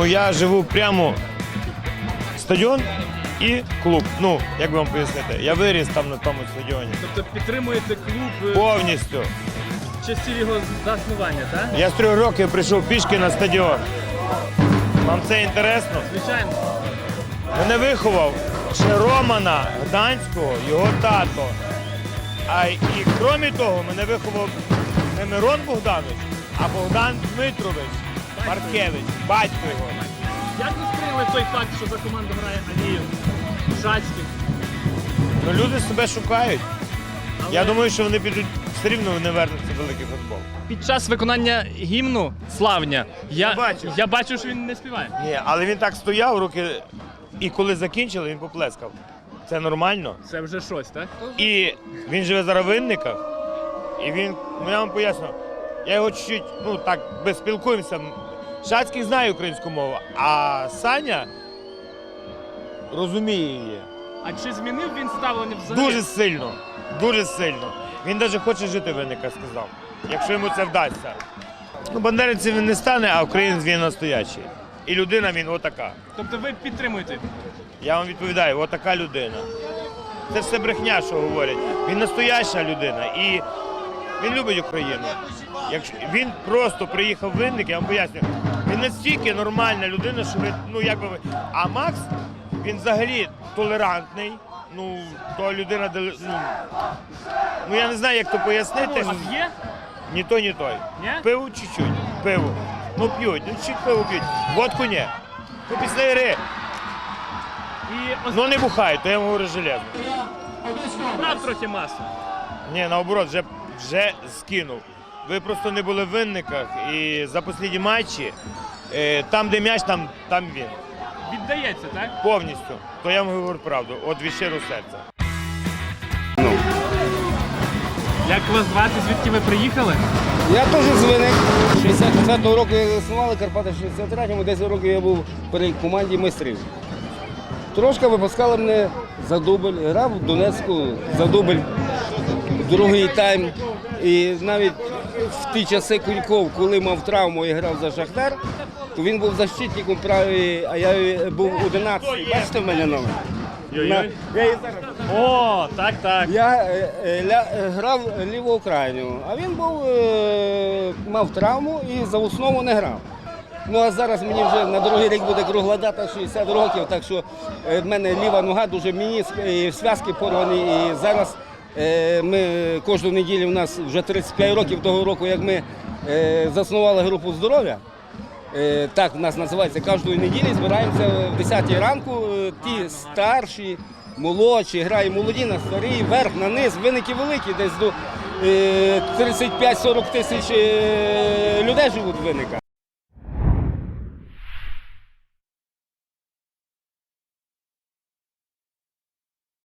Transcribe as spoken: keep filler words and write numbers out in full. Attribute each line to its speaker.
Speaker 1: Ну, я живу прямо стадіон і клуб. Ну, як би вам пояснити, я виріс там на тому стадіоні.
Speaker 2: Тобто підтримуєте клуб
Speaker 1: Повністю.
Speaker 2: з часів його заснування, так?
Speaker 1: Я з трьох років прийшов пішки на стадіон. Вам це інтересно?
Speaker 2: Звичайно.
Speaker 1: Мене виховав ще Романа Гданського, його тато. А і крім того, мене виховав не Мирон Богданович, а Богдан Дмитрович Маркевич, батько його.
Speaker 2: Як ви сприйняли той факт, що за команду грає Алієв, Шацький?
Speaker 1: Ну, люди себе шукають.
Speaker 2: Але...
Speaker 1: Я думаю, що вони підуть, все рівно вони вернуться в великий футбол.
Speaker 2: Під час виконання гімну «Славня» я,
Speaker 1: Я бачив.
Speaker 2: я бачу, що він не співає.
Speaker 1: Ні, але він так стояв, руки, і коли закінчили, він поплескав. Це нормально.
Speaker 2: Це вже щось, так?
Speaker 1: І він живе зараз в Винниках, і він, ну я вам поясню, я його чуть-чуть, ну так, без спілкуємося. Шацький знає українську мову, а Саня розуміє її.
Speaker 2: А чи змінив він ставлення взагалі?
Speaker 1: Дуже сильно, дуже сильно. Він навіть хоче жити в Винниках, сказав, якщо йому це вдасться. Ну, бандерівцем він не стане, а українець він настоящий. І людина він отака.
Speaker 2: Тобто ви підтримуєте?
Speaker 1: Я вам відповідаю, отака людина. Це все брехня, що говорять. Він настояща людина і він любить Україну. Якщо він просто приїхав в Винник, я вам поясню, він настільки нормальна людина, що ви, ну як би ви. А Макс, він взагалі толерантний. Ну, то людина, ну, ну я не знаю, як то пояснити.
Speaker 2: У вас є?
Speaker 1: Ні той, ні той.
Speaker 2: Ні?
Speaker 1: Пиво чуть-чуть, пиво. Ну п'ють, ну чуть пиво п'ють. Водку ні. Ну після гри.
Speaker 2: І ось
Speaker 1: Ну не бухають, то я вам говорю железно.
Speaker 2: брав трохи масу.
Speaker 1: Ні, наоборот, вже, вже скинув. Ви просто не були в Винниках і за останні матчі, е, там де м'яч, там, там він.
Speaker 2: Віддається, так?
Speaker 1: Повністю. То я вам говорю правду, от від щирого серця.
Speaker 2: Як вас звати, звідки ви приїхали?
Speaker 3: Я теж з Винник. шістдесят четвертого року я заснували Карпати, в шістдесят третьому, десять років я був при команді майстрів. Трошки випускали мене за дубль, грав в Донецьку за дубль, другий тайм. І навіть в ті часи Кульков, коли мав травму і грав за Шахтар, то він був защитником правий, а я був одинадцятий. Бачите в мене номер? На- я і зараз.
Speaker 2: О, так, так.
Speaker 3: Я е, е, ля, е, грав ліву крайню, а він був, е, мав травму і за основу не грав. Ну а зараз мені вже на другий рік буде кругла дата шістдесят років, так що е, в мене ліва нога дуже мініск, і зв'язки порвані. І зараз е, ми кожну неділю, у нас вже тридцять п'ять років того року, як ми е, заснували групу здоров'я. Е, Так в нас називається, кожної неділі збираємося в десятій ранку, е, ті старші, молодші, грає молоді на старі, верх, на низ, Винники великі, десь до е, тридцять п'ять сорок тисяч е, людей живуть в Винниках.